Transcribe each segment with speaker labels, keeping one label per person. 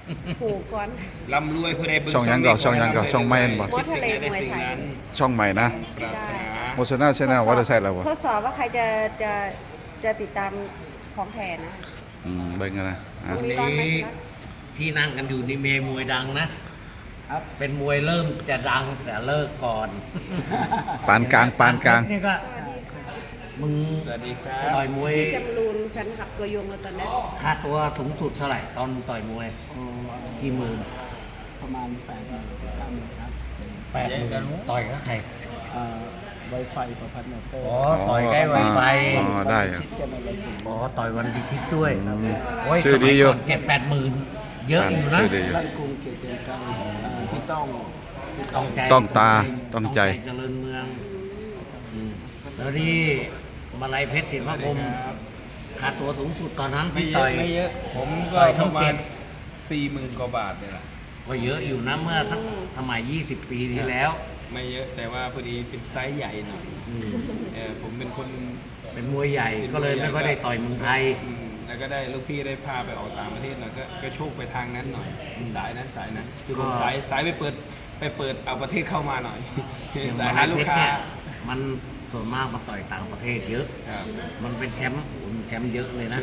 Speaker 1: ผูกก่อน
Speaker 2: ร่ำรวยผู้ใดเบิ่ง
Speaker 3: ช่องหยังก่อนช่องหยังก่อนช่องไม่เห็นบ่
Speaker 2: คิดสิ่งใดได้สิ่งนั้น
Speaker 3: ช่องใหม่นะ
Speaker 2: ปรารถนา
Speaker 3: โมชนาชแนลว่าจะใส่แล้วบ่
Speaker 1: ทดสอบว่าใครจะติดตามของแทนนะ
Speaker 3: เบิ่งกันนะอ่ะ
Speaker 1: ตรงนี้ร้อนไหม
Speaker 4: นี้ที่นั่งกันอยู่นี่เมย์มวยดังนะ เป็นมวยเริ่มจะดังแต่เลิกก่อน
Speaker 3: ปานกลางปานกลาง
Speaker 4: นี่ก็มึง
Speaker 2: สวัสดีครับ
Speaker 4: ต่อยมวย
Speaker 1: จำรูนแฟนคลับตัวยงแล้วตอนนี้
Speaker 4: ค่าตัวสูงสุดเท่าไหร่ตอนต่อยมวยกี่หมื่น
Speaker 5: ประมาณ8-9 ครับ
Speaker 4: 80,000ต่อยกับใคร
Speaker 5: ไวไฟประพัฒน์มอเตอร์
Speaker 4: อ๋อต่อยใกล้ไวไฟ
Speaker 3: อ๋อได้อะ
Speaker 5: ชิดกันในละสิบ
Speaker 4: อ๋อต่อยวันพิชิตด้วยโอ้ย
Speaker 3: ชื่อดีอยู่
Speaker 4: 7-8หมื่นเยอะอยู่นะ
Speaker 3: ชื่อดีอยู่
Speaker 5: ลั่นกรุงเกียรติการพี่ต้อง
Speaker 4: ต้องใจ
Speaker 3: ต้องตาต้องใจ
Speaker 4: เจริญเมืองแล้วนี่มาลัยเพชรศิลปาคมค่าตัวสูงสุดตอนนั้น
Speaker 2: ไม่
Speaker 4: ที่
Speaker 2: เย
Speaker 4: ต่
Speaker 2: อะ
Speaker 4: อย
Speaker 2: ไม่เยอะ ผมก็
Speaker 4: ต่อย
Speaker 2: ป
Speaker 4: ช่อง
Speaker 2: ระมา
Speaker 4: เจ็
Speaker 2: ณ
Speaker 4: ด
Speaker 2: 40,000 กว่าบาทเนี่ยแหละ
Speaker 4: ก็เยอะอยู่นะเมื่อทั้งสมัย 20 ปีที่แล้ว
Speaker 2: ไม่เยอะแต่ว่าพอดีเป็นไซส์ใหญ่หน่อยผมเป็นคน
Speaker 4: เป็นมวยใหญ่ก็เลยไม่ค่อยได้ต่อยเมืองไทย
Speaker 2: แล้วก็ได้ลูกพี่ได้พาไปออกต่างประเทศหน่อยก็โชคไปทางนั้นหน่อยสายนั้นคือผม
Speaker 4: ก็
Speaker 2: สายไปเปิดเอาประเทศเข้ามาหน่อย
Speaker 4: อย่าง
Speaker 2: สาย
Speaker 4: มา
Speaker 2: หา
Speaker 4: ลัย
Speaker 2: ลู
Speaker 4: เพ
Speaker 2: ก
Speaker 4: ชร
Speaker 2: ค้า
Speaker 4: เนี่ยมันส่วนมากมาต่อยต่างประเทศเยอะ
Speaker 2: ครับ
Speaker 4: มันเป็นแชมป์โอ้โหแชมป์เยอะเลยนะ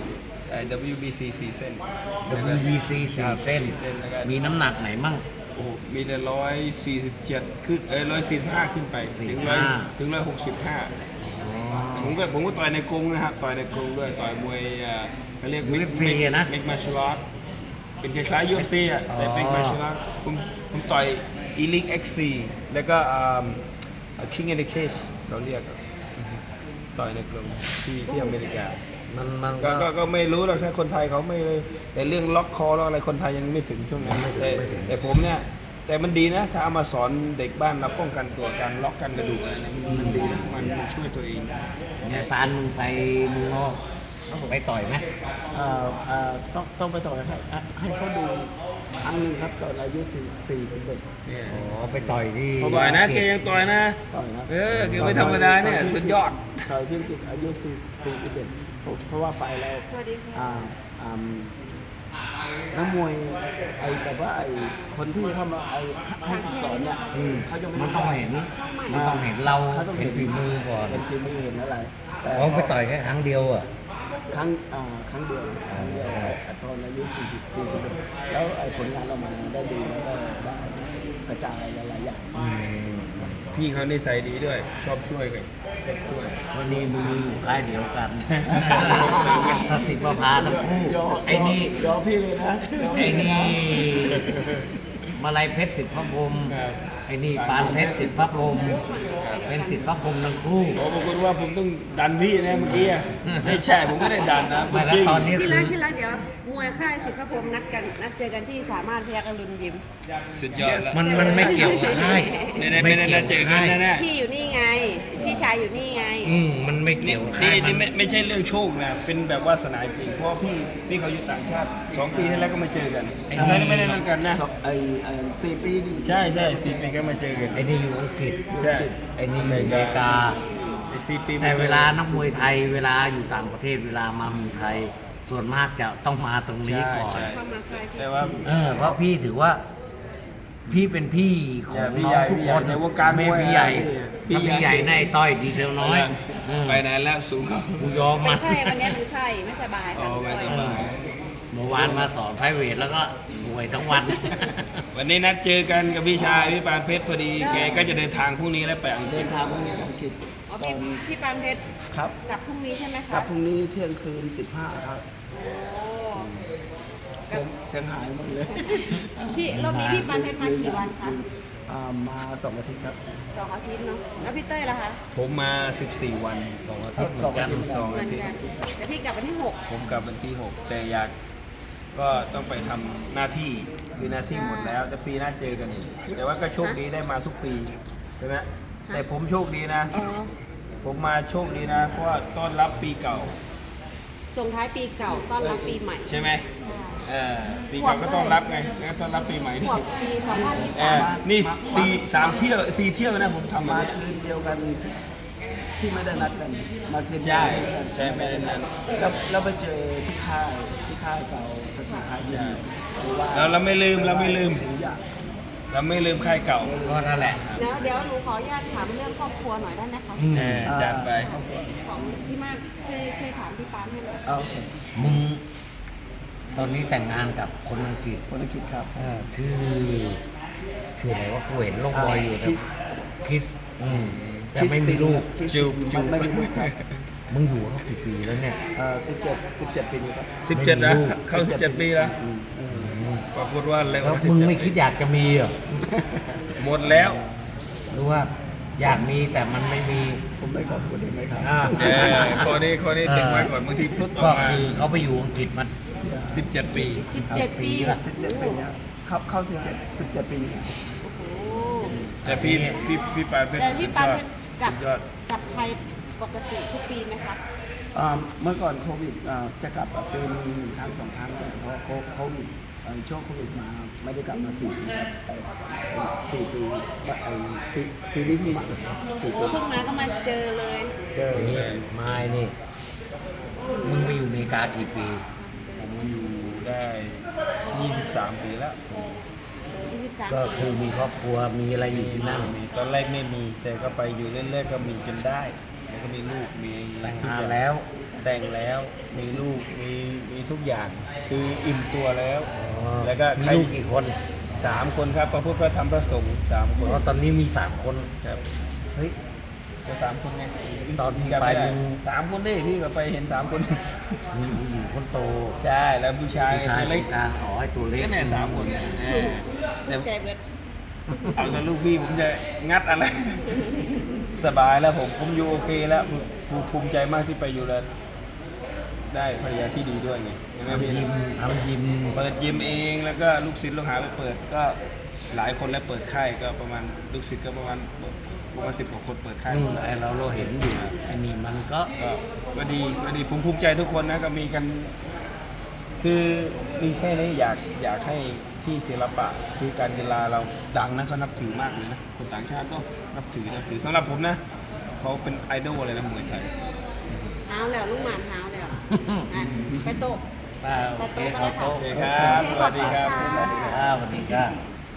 Speaker 2: WBC 4 เส้น
Speaker 4: WBC สี่เส้น
Speaker 2: แล้วก็
Speaker 4: มีน้ำหนักไหนมั่ง
Speaker 2: โอ้โหมีแต่147ขึ้น145ขึ้นไปถึง100ถึง165ผมก็ต่อยในกรงนะครับต่อยในกรงด้วยต่อยมวยเขาเรียก
Speaker 4: UFC อะนะ
Speaker 2: เมกมาชลอตเป็นคล้ายๆ UFC อ่ะแต่เมกมาชลอตผมต่อย Elite XC แล้วก็King of the Cage เราเรียกอะต่อยในกรงที่อเมริกา
Speaker 4: มัน
Speaker 2: ก็ไม่รู้หรอกถ้าคนไทยเขาไม่แต่เรื่องล็อกคอแล้วอะไรคนไทยยังไม่ถึงช่วงนั้นแต่ผมเนี่ยแต่มันดีนะถ้าเอามาสอนเด็กบ้านเราป้องกันตัวการล็อกกันกระดูกอะไรเนี่ยมันดีนะมันช่วยตัวเอง
Speaker 4: เนี่ยตาลมึงไปมึงนอกไปต่อยไหม
Speaker 5: ต้องไปต่อให้เขาดูครั้งหนึงครับตอนอายุ41
Speaker 2: เนี่ย
Speaker 4: อ๋อไปต่อยที่
Speaker 2: เขาต่อยนะแกยังต่อยนะ
Speaker 5: ต่อยนะ
Speaker 2: แกไม่ธรรมดาเนี่ยสุดยอด
Speaker 5: ต่อยที่อังกฤษอายุ41เพราะว่าไปแล้ว
Speaker 1: สวัสดีค่ะ
Speaker 5: อ่านักมวยแบบว่าคนที่เข้ามาให้ฝึกสอนเนี่ยเขาจะ
Speaker 4: มันต้องเห็นมันต้องเห็นเรา
Speaker 5: เขาต้อง
Speaker 4: เห็นฝีมือก่อน
Speaker 5: เห็นฝีมือเห็นอะไรแต่
Speaker 4: เขาไปต่อยแค่ครั้งเดียวอ่ะ
Speaker 5: ครั้งเดียวตอนอายุ41แล้วผลงานออกมาได้ดีแล้วก็ได้กระจายหลายๆอย่าง
Speaker 2: พี่เขานิสัยดีด้วยชอบช่วยกันช่วย
Speaker 4: วันนี้มึงอยู่ค่ายเดียวกันสติประพาทั้งคู่ไอ้นี่
Speaker 5: ยอมพี่เลยนะ
Speaker 4: ไอ้นี่มาลัยเพชรสิทธิพระพรหมไอ้นี่ปานเพชรสิทธิพระพรหมเป็นสิทธิพระพรหมทั้งคู่
Speaker 2: โอ้บางคนว่าผมต้องดันพี่นะเมื่อกี้อะไม่ใช่ผมไม่ได้ดันนะ
Speaker 4: ไม่แล้วตอนนี้
Speaker 1: ที่
Speaker 4: คื
Speaker 1: รั
Speaker 4: อก
Speaker 1: ที่รักเดี๋ยวมวยค่ายสิทธิพระพรหมนัดเจอกันที่สามารถพยัคฆ์อรุณยิม
Speaker 2: สุดยอดแล้ว
Speaker 4: มันไม่เกี่ยวกับค่าย
Speaker 2: ไม่ได้เจอกันแน่
Speaker 1: พี่อยู่นี่ไง พี่ชายอยู่นี่ไง
Speaker 4: มันไม่เกี่ยวกับค่าย
Speaker 2: นี่
Speaker 4: มัน
Speaker 2: ไม่ใช่เรื่องโชคนะเป็นแบบวาสนาจริงเพราะว่าพี่เขาอยู่ต่างชาติ2 ปีที่แล้วก็มาเจอกันไม่ได้นั่นกันนะ
Speaker 5: 4 ปีนี่
Speaker 2: ใช่4 ปีก็มาเจอกัน
Speaker 4: ไอ้นี่อยู่อังกฤษ
Speaker 2: ใช่
Speaker 4: ไอ้นี่อยู่อเมริกา
Speaker 2: 4 ปี
Speaker 4: แต่เวลานักมวยไทยเวลาอยู่ต่างประเทศเวลามาเมืองไทย ส่วนมากจะต้องมาตรงนี้ก่อน
Speaker 2: ใช่
Speaker 1: เข้ามาค่ายที่
Speaker 2: แต่ว่า
Speaker 4: เพราะพี่ถือว่า พี่เป็นพี่ของน้องทุกคน
Speaker 2: ในวงการ
Speaker 4: ไม่
Speaker 2: มวย
Speaker 4: พี่ใหญ่
Speaker 2: พี่
Speaker 4: ถ้า
Speaker 2: ใหญ่
Speaker 4: พี่ใหญ่ในไอ้ต้อยดีเทลน้อยเออ
Speaker 2: ไปไหนแล้วสูงเขา
Speaker 4: กูยอม
Speaker 1: เป็
Speaker 4: มาน
Speaker 1: ไข้วันนี้เป็นไข้ไม่สบาย
Speaker 2: อ๋
Speaker 1: ค่ะ
Speaker 2: อไม่สบาย
Speaker 4: เมื่อวานมาสอนไพรเวทแล้วก็ป่วยทั้งวัน
Speaker 2: วันนี้นัดเจอกันกับพี่ชายพี่ปานเพชรพอดีแกก็จะเดินทางพรุ่งนี้แล้วไปอังกฤ
Speaker 5: เดิ
Speaker 2: ษ
Speaker 5: นทางพรุ่งนี้อังกฤษ
Speaker 1: อ๋อพี่ปานเพชร
Speaker 5: ครับ
Speaker 1: กลับพรุ่งนี้ใช่ไหม
Speaker 5: ก
Speaker 1: คะ
Speaker 5: ลับพรุ่งนี้เที่ยงคืน 15 ครับ
Speaker 1: โอ้
Speaker 5: เสียงหายหมดเลย
Speaker 1: พี่รอบนี้พี่ปานเพชรมากี่วันคะ
Speaker 5: มา2 อาทิตย์ครับ
Speaker 1: 2 อาทิตย์เนาะแล้วพี่เต้ยล่ะคะ
Speaker 2: ผมมา 14 วัน2 อาทิตย์
Speaker 5: สองอาทิตย์
Speaker 2: สอง
Speaker 1: เหมื
Speaker 2: อา
Speaker 1: อน
Speaker 2: ทิตย์
Speaker 1: กันแต่พี่กลับวันที่
Speaker 2: ผมกลับวันที่ 6 แต่อยากก็ต้องไปทำหน้าที่คือหน้าที่หมดแล้วแต่ปีหน้าเจอกันอีกแต่ว่าก็โชคดีได้มาทุกปีใช่ไหมแต่ผมโชคดีนะ
Speaker 1: 6อ๋อ
Speaker 2: ผมมาโชคดีนะ เพราะว่าต้อนรับปีเก่า
Speaker 1: ส่งท้ายปีเก่าต้อนรับปีใหม่
Speaker 2: ใช่ไหมปีเก่าก็ต้อนรับไงแล้วต้อนรับปีใหม่
Speaker 1: ข
Speaker 2: นี่
Speaker 1: วบปี
Speaker 2: นี่3 เที่ยว 4 เที่ยวนะผมทำมา
Speaker 5: มา
Speaker 2: เนี่ย
Speaker 5: คืนเดียวกันที่ไม่ได้นัดกัน มาคืนเดี
Speaker 2: ใช่
Speaker 5: ยวกัน
Speaker 2: ใช่ไม่ได้นั้น
Speaker 5: แล้วไปเจอที่ค่ายเก่าสสิค่าย
Speaker 2: ใช่
Speaker 5: หรือว่า
Speaker 2: เราไม่ลืม
Speaker 5: สิ่งอย่าง
Speaker 2: เราไม่ลืมค่ายเก่า
Speaker 4: ก็นั่นแหละ
Speaker 1: เดี๋ยวหนูขออนุญาตถามเรื่องครอบครัวหน่อยได้ไหมคะ
Speaker 2: จัดไป
Speaker 1: ของพี่มากช่วยถามพี่ปานให้หน่อย
Speaker 5: โอเค
Speaker 4: มึงตอนนี้แต่งงานกับคนอังกฤษ
Speaker 5: คนอังกฤษครับ
Speaker 4: ชื่ออะไรว่ากูเห็นลงบอยอยู่แต่
Speaker 5: คริส
Speaker 4: แต่ไม่มีลูก
Speaker 2: จูบ
Speaker 5: ไม่มีลูกครับ
Speaker 4: มึงอยู่เขากี่ปีแล้วเนี่ย
Speaker 5: 17 ปีครับ
Speaker 2: 17 นะ เข้า 17 ปีแล้ว ปรากฏว่าเร็ว
Speaker 4: แล้ว
Speaker 2: นะ
Speaker 4: มึงไม่
Speaker 2: 17
Speaker 4: คิดอยากจะมีเหรอ
Speaker 2: หมดแล้ว
Speaker 4: หรือว่าอยากมีแต่มันไม่มี
Speaker 5: ผมไม่ขอบคุณเองไหมครับ
Speaker 2: ข้อนี้ดึงไว้ก่อนบางทีพุทธอ
Speaker 4: ก็
Speaker 2: อกมา
Speaker 4: คือเขาไปอยู่อังกฤษมา
Speaker 2: 17 ปี
Speaker 1: 17 ปี
Speaker 4: ละ
Speaker 5: 17 ปีเนี่ยเข้า17 ปีเนี่ย
Speaker 1: โอ้โห
Speaker 2: แต่พี่ปานเป็น
Speaker 1: แต่พี่ปานเป็นกลับ
Speaker 2: สุดยอด
Speaker 1: กลับไทยปกติทุกปีไหมคะ
Speaker 5: เมื่อก่อนโควิดจะกลับเป็น1 ครั้ง 2 ครั้งแต่พอโควิดช่วงโควิดมาไม่ได้กลับมา4 ปีปีนี้เพิ่งมา4 ปี
Speaker 1: เพิ่งมาก็มาเจอเลย
Speaker 5: เจอ
Speaker 4: นี่ไม่นี่ มึงไปอยู่อเมริกากี่ปี
Speaker 2: ผมอยู่ได้ 23 ปีแล้ว
Speaker 1: 23
Speaker 4: ก็คือมีครอบครัวมีอะไรอยู่ที่นั่น
Speaker 2: มีตอนแรกไม่มี แต่ก็ไปอยู่เรื่อยๆก็มีจนได้ แล้วก็มีลูก มี
Speaker 4: แต่ง
Speaker 2: ทุก
Speaker 4: งา
Speaker 2: อน ย่าง
Speaker 4: แล้ว
Speaker 2: แต่งแล้ว มีลูก มีทุกอย่าง คืออิ่มตัวแล้ว แล้วก็
Speaker 4: มี
Speaker 2: ใคร
Speaker 4: ลูกกี่คน
Speaker 2: 3 คนครับพระพุทธพระธรรมพระสงฆ์3 คน
Speaker 4: เพราะตอนนี้มี 3 คน
Speaker 2: ครับ
Speaker 4: เฮ้ย
Speaker 2: ก็3 คนไง
Speaker 4: ตอน
Speaker 2: จำ
Speaker 4: ไป
Speaker 2: ไม่ได้
Speaker 4: มึง
Speaker 2: 3 คนดิพี่ก็ไปเห็น 3 คน
Speaker 4: มีผู้หญิงคนโต
Speaker 2: ใช่ แล้วผู้ชาย
Speaker 4: ผู้ชาย
Speaker 2: ตัว
Speaker 4: เล็
Speaker 2: เล็
Speaker 4: ก
Speaker 2: ก
Speaker 4: กลางอ๋อไอ้ตัวเล็ก
Speaker 2: ก็เนี่ย3 คนเนี่ยแต่
Speaker 1: ใจเบิด
Speaker 2: เอาแต่ลูกพี่ผมจะงัดอะไร สบายแล้วผมอยู่โอเคแล้วภูมิใจมากที่ไปอยู่แล้ว ได้ภรรยาที่ดีด้วยไงใช่ไหมพี่
Speaker 4: ทำยิม
Speaker 2: เปิดยิมเองแล้วก็ลูกศิษย์ลูกหาไปเปิดก็หลายคนแล้วเปิดค่ายก็ประมาณลูกศิษย์ก็ประมาณ10 กว่าคนเปิดค่าย
Speaker 4: นู่นไอ้เราเห็นอยู่ไอ้นี่มันก็
Speaker 2: ก็ดีผมภูมิใจทุกคนนะก็มีกัน คือมีแค่นี้อยากให้ที่ศิลปะที่การกีฬาเราดังนะเขานับถือมากเลยนะคนต่างชาติก็นับถือสำหรับผมนะเขาเป็นไอดอลเลยนะมวยไทย
Speaker 1: หาวแล้วลูกหมานหาวแล้วอ่ะไปโต๊ะ
Speaker 4: โอเคเอาโต๊ะ
Speaker 2: โอเคครับสวัสดีครับ
Speaker 4: สวัสดีครับสวัสดีครับ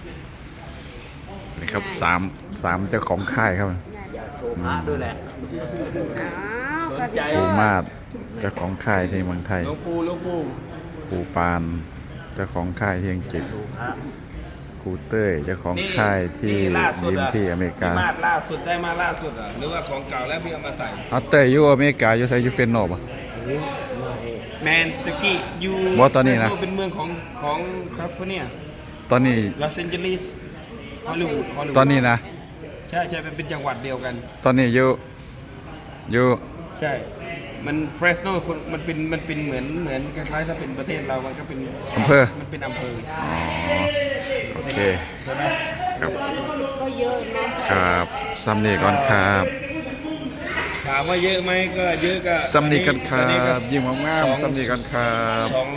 Speaker 3: นี่ครับสามเจ้าของค่ายครับ
Speaker 4: โชว์พระด้วยแหละ
Speaker 2: สนใจ
Speaker 3: ครูมาศเจ้าของค่ายที่เมืองไทย
Speaker 2: หลวงปู่
Speaker 3: ครูปานเจ้าของค่ายที่อังกฤษ
Speaker 4: โชว์พระ
Speaker 3: ครูเต้ยเจ้าของค่ายที่
Speaker 2: นี่ล่าสุด
Speaker 3: ยิม
Speaker 2: อะ
Speaker 3: ที่อเมริกา
Speaker 2: พี่มาดล่าสุดได้มาล่าสุดอ่ะหรือว่าของเก่าแล้วพี่เอามาใส่
Speaker 3: เอาเต้ยอยู่อเมริกาอยู่ไซยูเฟนโนบ
Speaker 2: แมนตะกี้อยู่
Speaker 3: บอสตอนนี้นะ
Speaker 2: เป็นเมืองของแคลิฟอร์เนีย
Speaker 3: ตอนนี้
Speaker 2: ลอสแอนเจลิสฮอลลีวูด
Speaker 3: ตอนนี้นะ
Speaker 2: ใช่เป็นจังหวัดเดียวกัน
Speaker 3: ตอนนี้อยู่
Speaker 2: ใช่ มันเฟรสโนมันเป็นเหมือนคล้ายๆถ้าเป็นประเทศเรามันก็เป็น
Speaker 3: อำเภอ
Speaker 2: มันเป็นอำเภอ
Speaker 3: อ๋อโอเค
Speaker 2: ใช่ไหม
Speaker 3: ครับ
Speaker 1: ก็เยอะนะครับ
Speaker 3: ซัมนี่ก่อนครับ
Speaker 2: ถามว่าเยอะไหมก็เยอะก็
Speaker 3: ซัมนี่กันครั
Speaker 2: ตอนนี้ก็
Speaker 3: บยิ้มงามๆซัมนี่กันครับ
Speaker 2: 200